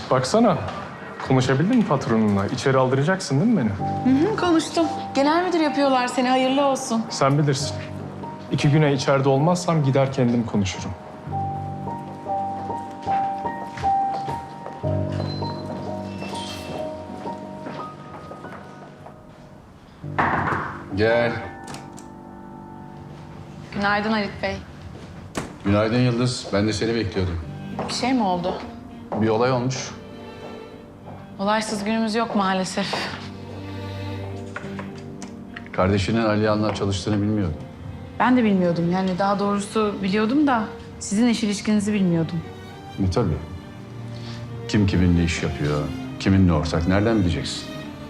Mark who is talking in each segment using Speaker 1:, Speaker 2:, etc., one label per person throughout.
Speaker 1: Baksana, konuşabildin mi patronunla? İçeri aldıracaksın değil mi beni?
Speaker 2: Konuştum. Genel müdür yapıyorlar seni, hayırlı olsun.
Speaker 1: Sen bilirsin. 2 güne içeride olmazsam gider kendim konuşurum.
Speaker 3: Gel.
Speaker 2: Günaydın Halit Bey.
Speaker 3: Günaydın Yıldız. Ben de seni bekliyordum.
Speaker 2: Bir şey mi oldu?
Speaker 3: Bir olay olmuş.
Speaker 2: Olaysız günümüz yok maalesef.
Speaker 3: Kardeşinin Aliyan'la çalıştığını bilmiyordum.
Speaker 2: Ben de bilmiyordum, yani daha doğrusu biliyordum da sizin iş ilişkinizi bilmiyordum.
Speaker 3: Tabii. Kim kiminle iş yapıyor, kiminle ortak, nereden bileceksin?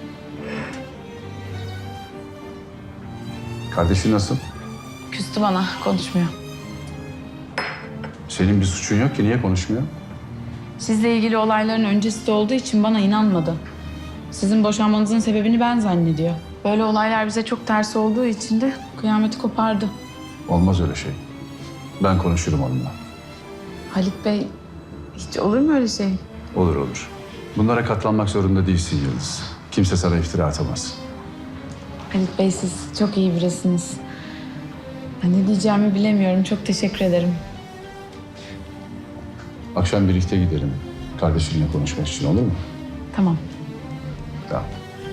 Speaker 3: Kardeşin nasıl?
Speaker 2: Küstü bana, konuşmuyor.
Speaker 3: Senin bir suçun yok ki, niye konuşmuyor?
Speaker 2: Sizle ilgili olayların öncesi de olduğu için bana inanmadı. Sizin boşanmanızın sebebini ben zannediyor. Böyle olaylar bize çok ters olduğu için de kıyameti kopardı.
Speaker 3: Olmaz öyle şey. Ben konuşurum onunla.
Speaker 2: Halit Bey, hiç olur mu öyle şey?
Speaker 3: Olur olur. Bunlara katlanmak zorunda değilsin Yıldız. Kimse sana iftira atamaz.
Speaker 2: Halit Bey, siz çok iyi birisiniz. Ben ne diyeceğimi bilemiyorum. Çok teşekkür ederim.
Speaker 3: Akşam birlikte gidelim. Kardeşinle konuşmak için, olur mu?
Speaker 2: Tamam.
Speaker 3: Tamam.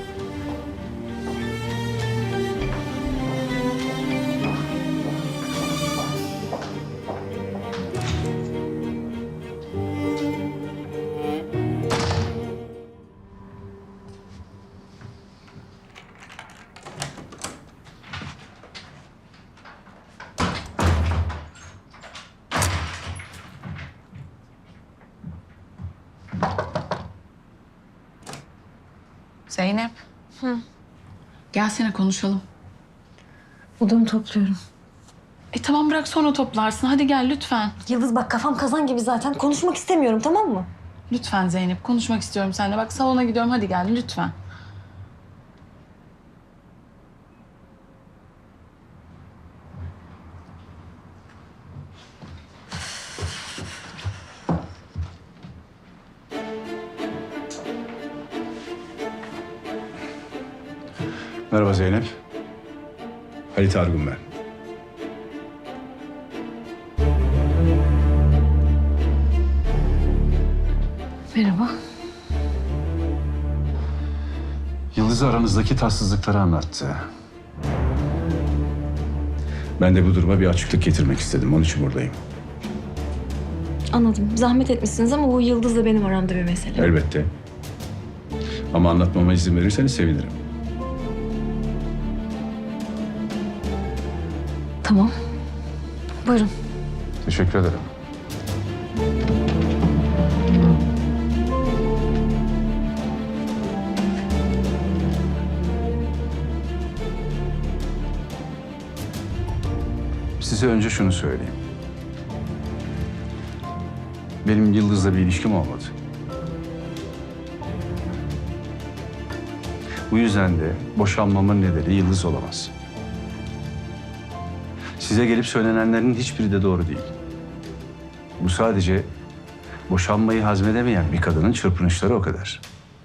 Speaker 2: Zeynep. Gelsene konuşalım.
Speaker 4: Odamı topluyorum.
Speaker 2: Tamam, bırak sonra toplarsın. Hadi gel lütfen.
Speaker 4: Yıldız bak, kafam kazan gibi zaten. Konuşmak istemiyorum, tamam mı?
Speaker 2: Lütfen Zeynep, konuşmak istiyorum seninle. Bak salona gidiyorum, hadi gel lütfen.
Speaker 3: Merhaba Zeynep. Halit Argun ben.
Speaker 4: Merhaba.
Speaker 3: Yıldız aranızdaki tatsızlıkları anlattı. Ben de bu duruma bir açıklık getirmek istedim. Onun için buradayım.
Speaker 4: Anladım. Zahmet etmişsiniz ama bu Yıldız'la benim aramda bir mesele.
Speaker 3: Elbette. Ama anlatmama izin verirseniz sevinirim.
Speaker 4: Tamam. Buyurun.
Speaker 3: Teşekkür ederim. Size önce şunu söyleyeyim. Benim Yıldız'la bir ilişkim olmadı. Bu yüzden de boşanmamın nedeni Yıldız olamaz. Size gelip söylenenlerin hiçbiri de doğru değil. Bu sadece boşanmayı hazmedemeyen bir kadının çırpınışları, o kadar.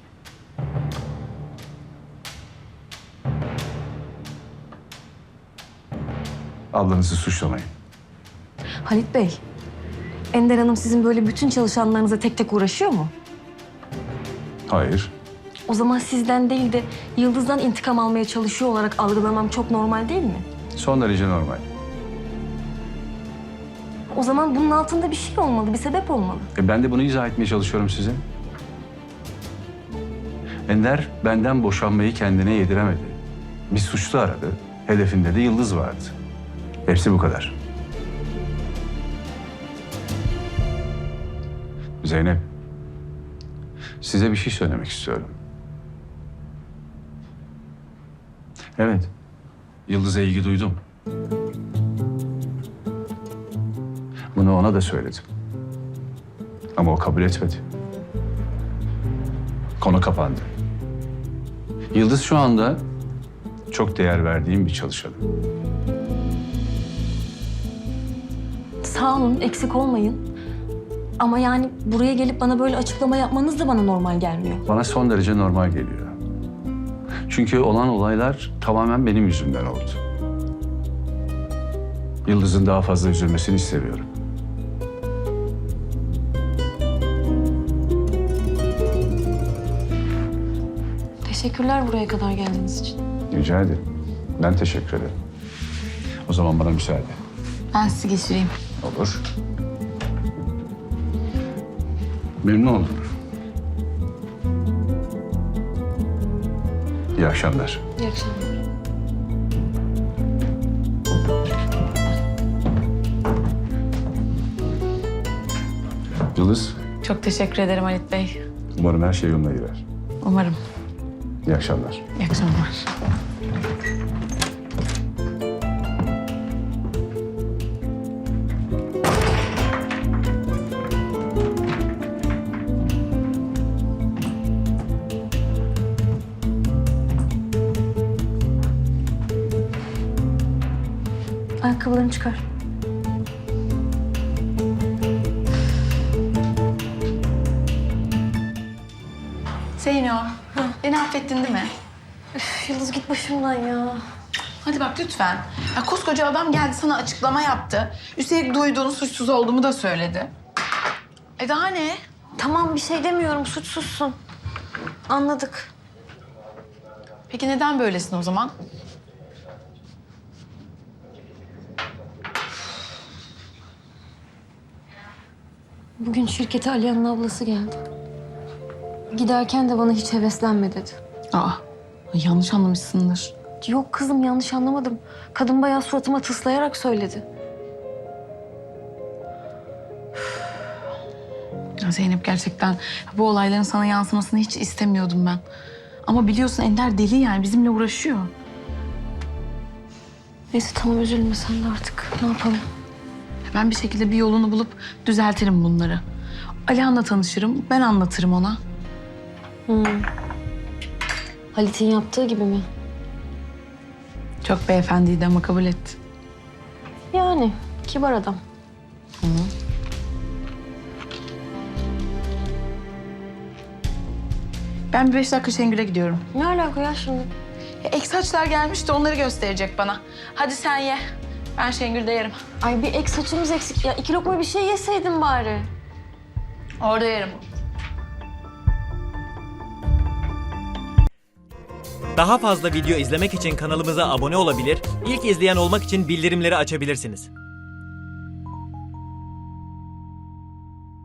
Speaker 3: Ablanızı suçlamayın.
Speaker 4: Halit Bey, Ender Hanım sizin böyle bütün çalışanlarınıza tek tek uğraşıyor mu?
Speaker 3: Hayır.
Speaker 4: O zaman sizden değil de Yıldız'dan intikam almaya çalışıyor olarak algılamam çok normal değil mi?
Speaker 3: Son derece normal.
Speaker 4: O zaman bunun altında bir şey olmalı, bir sebep olmalı.
Speaker 3: Ben de bunu izah etmeye çalışıyorum size. Ender benden boşanmayı kendine yediremedi. Bir suçlu aradı. Hedefinde de Yıldız vardı. Hepsi bu kadar. Zeynep, size bir şey söylemek istiyorum. Evet, Yıldız'a ilgi duydum. Bunu ona da söyledim. Ama o kabul etmedi. Konu kapandı. Yıldız şu anda çok değer verdiğim bir çalışanım.
Speaker 4: Sağ olun, eksik olmayın. Ama yani buraya gelip bana böyle açıklama yapmanız da bana normal gelmiyor.
Speaker 3: Bana son derece normal geliyor. Çünkü olan olaylar tamamen benim yüzümden oldu. Yıldız'ın daha fazla üzülmesini istemiyorum.
Speaker 4: Teşekkürler buraya kadar geldiğiniz için.
Speaker 3: Rica ederim. Ben teşekkür ederim. O zaman bana müsaade.
Speaker 2: Ben sizi geçireyim.
Speaker 3: Olur. Memnun oldum. İyi akşamlar.
Speaker 4: İyi akşamlar.
Speaker 3: Yıldız,
Speaker 2: Çok teşekkür ederim Halit Bey.
Speaker 3: umarım her şey yoluna girer.
Speaker 2: Umarım.
Speaker 3: İyi akşamlar.
Speaker 2: İyi akşamlar.
Speaker 4: Ayakkabılarını çıkar.
Speaker 2: Zeyno, beni affettin değil mi?
Speaker 4: Yıldız git başımdan ya.
Speaker 2: Hadi bak lütfen. Ya koskoca adam geldi sana açıklama yaptı. Üstelik duyduğunu suçsuz olduğumu da söyledi. Daha ne?
Speaker 4: Tamam bir şey demiyorum suçsuzsun. Anladık.
Speaker 2: Peki neden böylesin o zaman?
Speaker 4: Bugün şirkete Aliye'nin ablası geldi. Giderken de bana hiç heveslenme dedi.
Speaker 2: Aa, yanlış anlamışsındır.
Speaker 4: Yok kızım yanlış anlamadım. Kadın bayağı suratıma tıslayarak söyledi.
Speaker 2: Ya Zeynep gerçekten bu olayların sana yansımasını hiç istemiyordum ben. Ama biliyorsun Ender deli yani bizimle uğraşıyor.
Speaker 4: Neyse tamam üzülme sen de artık. Ne yapalım?
Speaker 2: Ben bir şekilde bir yolunu bulup düzeltirim bunları. Alihan'la tanışırım, ben anlatırım ona.
Speaker 4: Halit'in yaptığı gibi mi?
Speaker 2: Çok beyefendiydi ama kabul etti.
Speaker 4: Yani kibar adam.
Speaker 2: Ben bir 5 dakika Şengül'e gidiyorum.
Speaker 4: Ne alaka ya şimdi?
Speaker 2: Ek saçlar gelmiş de onları gösterecek bana. Hadi sen ye. Ben Şengül'de yerim.
Speaker 4: Ay bir ek saçımız eksik. Ya 2 lokma bir şey yeseydin bari.
Speaker 2: Orada yerim.
Speaker 5: Daha fazla video izlemek için kanalımıza abone olabilir, ilk izleyen olmak için bildirimleri açabilirsiniz.